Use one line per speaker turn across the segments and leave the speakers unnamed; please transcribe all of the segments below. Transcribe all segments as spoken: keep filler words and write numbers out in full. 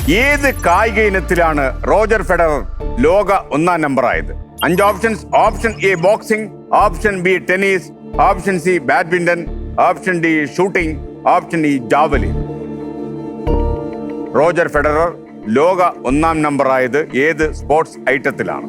ഏത് കായിക ഇനത്തിലാണ് Roger Federer ലോക ഒന്നാം നമ്പർ ആയത്? അഞ്ച് options. Option A boxing, option B tennis, option C badminton, option D shooting, option E javelin. Roger Federer ലോക ഒന്നാം നമ്പർ ആയത് ഏത് സ്പോർട്സ് ഐറ്റത്തിലാണ്?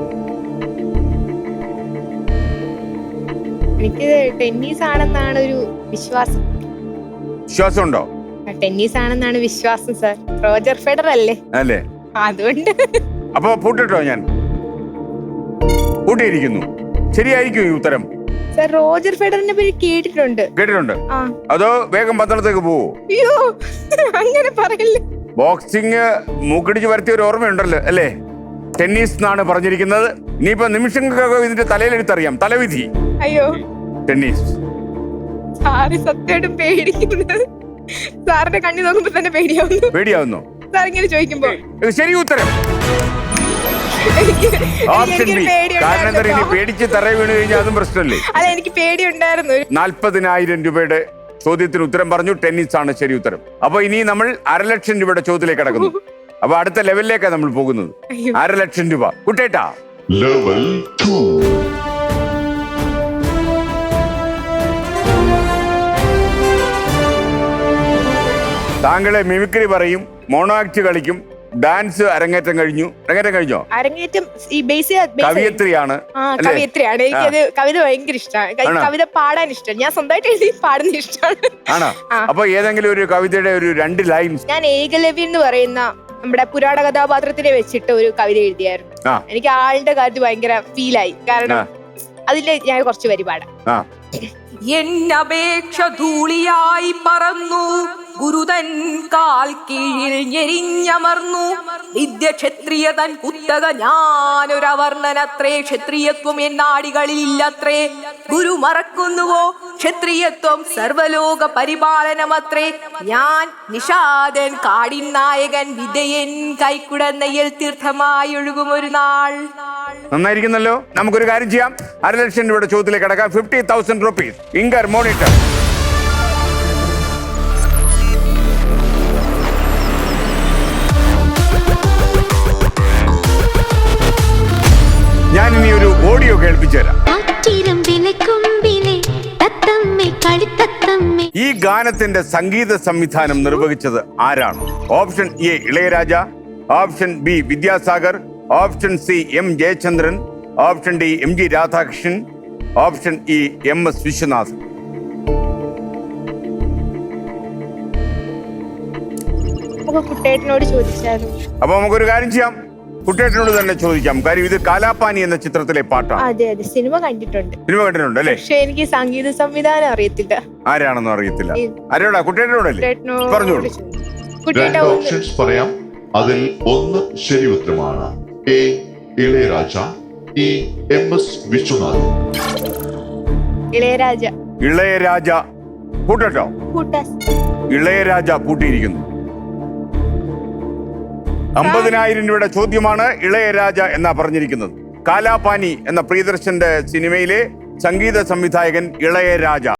എനിക്ക് ടെന്നീസ് ആണെന്നാണ് ഒരു വിശ്വാസം.
വിശ്വാസം ഉണ്ടോ?
ടെന്നീസ് ആണെന്നാണ് വിശ്വാസം സർ. റോജർ ഫെഡറർ അല്ലേ?
അല്ലേ?
അതുകൊണ്ട്
അപ്പൊ പൂട്ടിട്ടോ? ഞാൻ പൂട്ടിയിരിക്കുന്നു. ശരിയായിരിക്കും ഈ ഉത്തരം?
സർ റോജർ ഫെഡറിനെ പറ്റി കേട്ടിട്ടുണ്ട്.
കേട്ടിട്ടുണ്ട്. അതോ വേഗം പന്തളത്തേക്ക് പോവോ?
അയ്യോ അങ്ങനെ പറയല്ലേ.
ബോക്സിംഗ് മൂക്കിടിച്ച് വരുത്തിയ ഒരു ഓർമ്മയുണ്ടല്ലോ അല്ലേ? ടെന്നീസ് എന്നാണ് പറഞ്ഞിരിക്കുന്നത്. ഇനിയിപ്പോ നിമിഷങ്ങൾക്കൊക്കെ ഇതിന്റെ തലയിലെടുത്തറിയാം. തലവിധി.
അയ്യോ
ടെന്നീസ്.
സാറ് സത്യമായിട്ടും പേടിക്കുന്നത്. സാറിന്റെ കണ്ണി നോക്കുമ്പോ തന്നെ പേടിയാവുന്നു.
പേടിയാവുന്നു
സാർ ഇങ്ങനെ ചോദിക്കുമ്പോ?
ശരി ഉത്തരം ഓപ്ഷൻ ബി. കാരണം എന്താ, ഇനി പേടിച്ച് തറ വീണ് കഴിഞ്ഞാൽ അതും പ്രശ്നമല്ലേ?
അല്ല എനിക്ക് പേടിയുണ്ടായിരുന്നു.
നാൽപ്പതിനായിരം രൂപയുടെ ചോദ്യത്തിന് ഉത്തരം പറഞ്ഞു. ടെന്നീസ് ആണ് ശരി ഉത്തരം. അപ്പൊ ഇനി നമ്മൾ അരലക്ഷം രൂപയുടെ ചോദ്യത്തിലേക്ക് കടക്കുന്നു. അപ്പൊ അടുത്ത ലെവലിലേക്കാണ് നമ്മൾ പോകുന്നത്. അരലക്ഷം രൂപ. കുട്ടേട്ടാ,
ലെവൽ ടു.
താങ്കളെ മിമിക്രി പറയും, മോണോ ആക്ട് കളിക്കും, ഡാൻസ് അരങ്ങേറ്റം കഴിഞ്ഞു. അരങ്ങേറ്റം കഴിഞ്ഞോ?
അരങ്ങേറ്റം ഈ ബേസ്
കവിയത്രിയാണ്.
കവിയത്രിയാണ്. എനിക്കത് കവിത ഭയങ്കര ഇഷ്ടമാണ്. കവിത പാടാൻ ഇഷ്ടമാണ്. ഞാൻ സ്വന്തമായിട്ട് എഴുതി പാടുന്ന ഇഷ്ടമാണ്.
ആണോ? അപ്പൊ ഏതെങ്കിലും ഒരു കവിതയുടെ ഒരു രണ്ട് ലൈൻസ്.
ഞാൻ ഏകലവ്യൻ എന്ന് പറയുന്ന നമ്മുടെ പുരാണ കഥാപാത്രത്തിനെ വെച്ചിട്ട് ഒരു കവിത എഴുതിയായിരുന്നു. എനിക്ക് ആളുടെ കാര്യത്തിൽ ഭയങ്കര ഫീലായി. കാരണം അതില് ഞാൻ കുറച്ച് വരി പാടാം. എന്നപേക്ഷ ധൂളിയായി പറന്നു ഗുരുതൻ കാൽ കീഴിൽ ഞെരിഞ്ഞമർന്നു വിദ്യ ക്ഷത്രിയ തൻ കുത്തക ഞാനൊരവർണ്ണനത്രേ ക്ഷത്രിയത്വം എന്നാടികളില്ലത്രേ ഗുരു മറക്കുന്നുവോ ക്ഷത്രിയത്വം സർവലോക പരിപാലനമത്രേ ഞാൻ നിഷാദൻ കാടിൻ നായകൻ വിധയൻ കൈക്കുടന്നയിൽ തീർത്ഥമായി ഒഴുകും ഒരു നാൾ.
നന്നായിരിക്കുന്നല്ലോ. നമുക്കൊരു കാര്യം ചെയ്യാം. അരലക്ഷം രൂപയുടെ ചോദ്യത്തിലേക്ക് കടക്കാം. Fifty thousand rupees. ഇങ്കർ മോണിറ്റർ. ഞാൻ ഇനി ഒരു ഓഡിയോ കേൾപ്പിച്ചു തരാം. ഈ ഗാനത്തിന്റെ സംഗീത സംവിധാനം നിർവഹിച്ചത് ആരാണ്? Option A Ilaiyaraaja, option B Vidyasagar, option C M Jayachandran, option D M G Radhakrishnan, option E M S Viswanathan.
കുട്ടേട്ടനോട് ചോദിച്ചാലും.
അപ്പൊ നമുക്കൊരു കാര്യം ചെയ്യാം, കുട്ടേട്ടനോട് തന്നെ ചോദിക്കാം. കാര്യം ഇത് കാലാപാനി എന്ന ചിത്രത്തിലെ പാട്ടാണ്.
അതെ അതെ, സിനിമ കണ്ടിട്ടുണ്ട്.
സിനിമ കണ്ടിട്ടുണ്ട് അല്ലേ?
പക്ഷെ എനിക്ക് സംഗീത സംവിധാനം അറിയത്തില്ല.
ആരാണെന്ന് അറിയത്തില്ല. ആരോടാ? കുട്ടേട്ടനോടല്ലേ? പറഞ്ഞോളൂ.
രണ്ട് ഓപ്ഷൻസ് പറയാം. അതിൽ ഒന്ന് ശരി ഉത്തരമാണ്. A Ilaiyaraaja, E M S Viswanath.
Ilaiyaraaja.
Ilaiyaraaja കൂട്ടോ? ഇളയരാജ പൂട്ടിയിരിക്കുന്നു. അമ്പതിനായിരം രൂപയുടെ ചോദ്യമാണ്. ഇളയരാജ എന്നാ പറഞ്ഞിരിക്കുന്നത്. കാലാപാനി എന്ന പ്രിയദർശന്റെ സിനിമയിലെ സംഗീത സംവിധായകൻ ഇളയരാജ.